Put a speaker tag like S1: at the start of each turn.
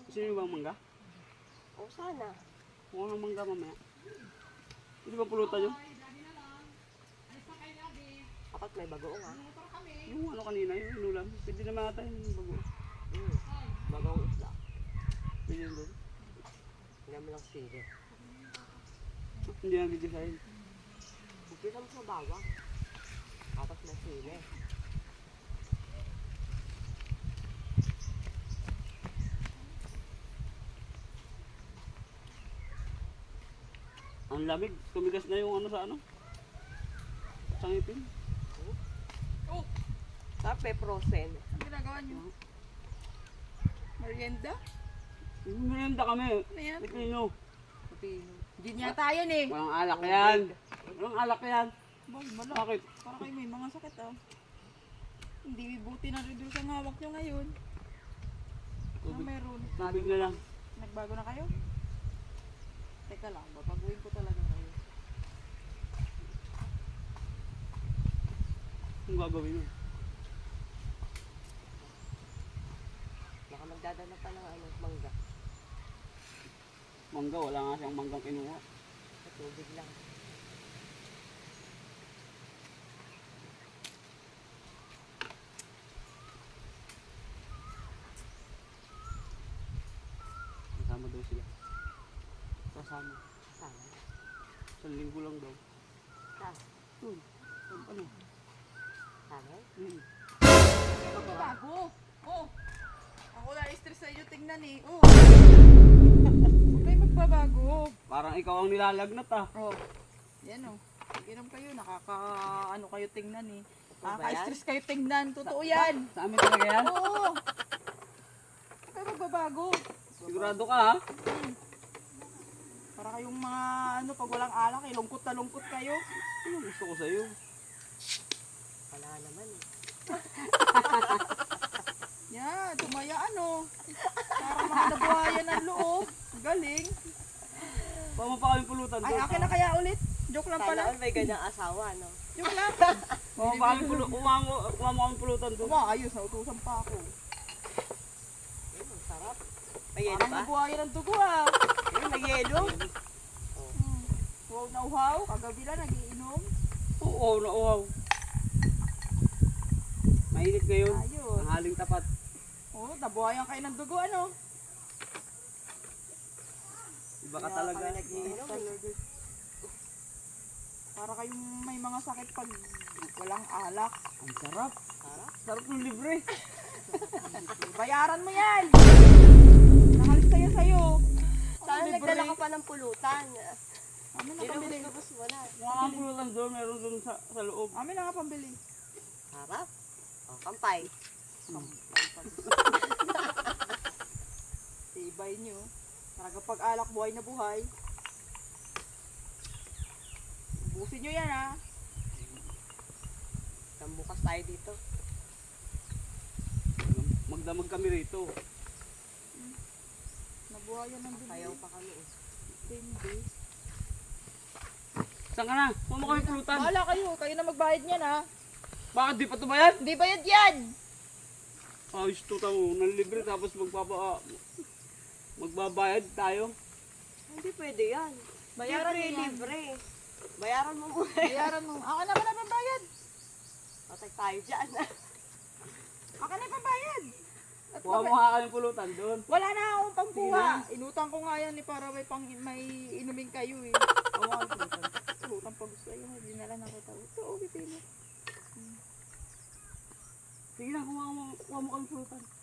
S1: Gusto niyo bang mangga?
S2: O sana.
S1: Kuha ng mangga mamaya. Hindi ba pulutan yun?
S2: Kapag may bagoong ha.
S1: Yung ano kanina, yung inulam. Pwede naman ata yung bago.
S2: Bagoong isla.
S1: Pwede yun doon.
S2: Hindi mo lang sili.
S1: Hindi na di-design.
S2: Bukit mo sa bawang. Tapos may sili.
S1: Ang lamig. Tumigas na yung ano sa ano. Sa ngipin.
S3: Oh,
S2: Tapos may frozen.
S3: ang ginagawa niyo? Merienda?
S1: Merienda kami.
S3: Ano yan?
S1: Pipino.
S3: Pipino. Hindi niya tayo eh.
S1: Walang alak yan. Walang alak yan.
S3: Wala.
S1: Bakit?
S3: Para kayo may mga sakit ah. Hindi buti na reduce ang hawak nyo ngayon. Ano
S1: Tubig.
S3: meron?
S1: Tubig na lang.
S3: Nagbago na kayo? Teka lang, babaguhin ko talaga ngayon.
S1: Kung gagawin mo.
S2: Baka magdadala pa ng ano, mangga.
S1: Mangga, wala nga siyang manggang kinuha.
S2: Sa tubig lang.
S1: Kasama daw sila. Kasama.
S2: Sana.
S1: Isang linggo lang daw.
S2: Sana.
S1: Yun. Ano?
S2: Sana.
S3: Bago! Oh! Ako na stress sa inyo, tingnan eh. Oh! Huwag kayo magbabago.
S1: Parang ikaw ang nilalagnat ah.
S3: Oh. Yan oh. Inom kayo, ano kayo tingnan eh.
S2: ba yan?
S3: Nakaka-stress kayo tingnan. Totoo yan.
S1: Sa amin talaga yan?
S3: Oo. Huwag kayo magbabago.
S1: Sigurado ka ha?
S3: Para kayong mga pag walang alak eh, lungkot na lungkot kayo.
S1: Ano gusto ko sa'yo?
S2: Wala naman eh.
S3: Yan, tumaya para mga nabuhayan ng loob. Galing.
S1: Pama pa kami pulutan
S3: Ay,
S1: doon.
S3: akin na kaya ulit. Joke lang
S2: Sana
S3: pala.
S2: all may ganyang asawa, no?
S3: Joke lang.
S1: Pama pa kami pulutan. Umama kami pulutan doon.
S3: Ayos, nautusan pa ako.
S2: Ang sarap. May yelo
S3: Parang
S2: ba?
S3: nabuhayan ng dugo ah.
S2: May yelo.
S3: Wow na uhaw. Kagabi lang nagiinom.
S1: Oo, nauhaw. Mainit ngayon.
S3: Ayos.
S1: Ang haling tapat.
S3: Oh, nabuhayan kayo ng dugo
S1: Iba ka talaga.
S2: Kami nag-iinom.
S3: Para kayong may mga sakit pag walang alak.
S1: Ang sarap.
S2: Sarap.
S1: Sarap ng libre.
S3: Bayaran mo yan. Nakalis tayo sa'yo.
S2: Sana
S3: Libre.
S2: nagdala ka pa ng pulutan.
S3: Amin na pambili.
S2: Inubos mo na.
S1: Mga kang pulutan doon, meron doon sa loob.
S3: Amin na nga pambili.
S2: Sarap. O, kampay.
S3: Tibay nyo. Talaga pag alak buhay na buhay. Busin nyo yan ha.
S2: Bukas tayo dito.
S1: Magdamag kami rito.
S3: Nabuhayan ng dugo.
S2: Sayaw pa kami eh.
S3: 10 days.
S1: Saan ka na? Pama kami pulutan.
S3: Bahala kayo. Kayo na magbayad niyan ha.
S1: Bakit di pa tumayan?
S3: Hindi bayad yan.
S1: Ayos to tamo. Nanlibre tapos magbabayad tayo.
S2: Hindi pwede yan.
S3: Bayaran
S2: libre,
S3: mo yan.
S2: libre. Bayaran mo muna.
S3: Bayaran mo. Ako na ba na pambayad?
S2: Patay tayo dyan.
S3: Ako na pambayad. At
S1: Kuha mo
S3: bakit?
S1: nga kami pulutan doon.
S3: Wala na akong pangkuha. Inutang ko nga yan para may inumin kayo eh.
S1: Kuha kami pulutan.
S3: Utang pa gusto yun. Hindi na lang nakita. Ito, pipili.
S1: Sige na, kuha mo kami pulutan.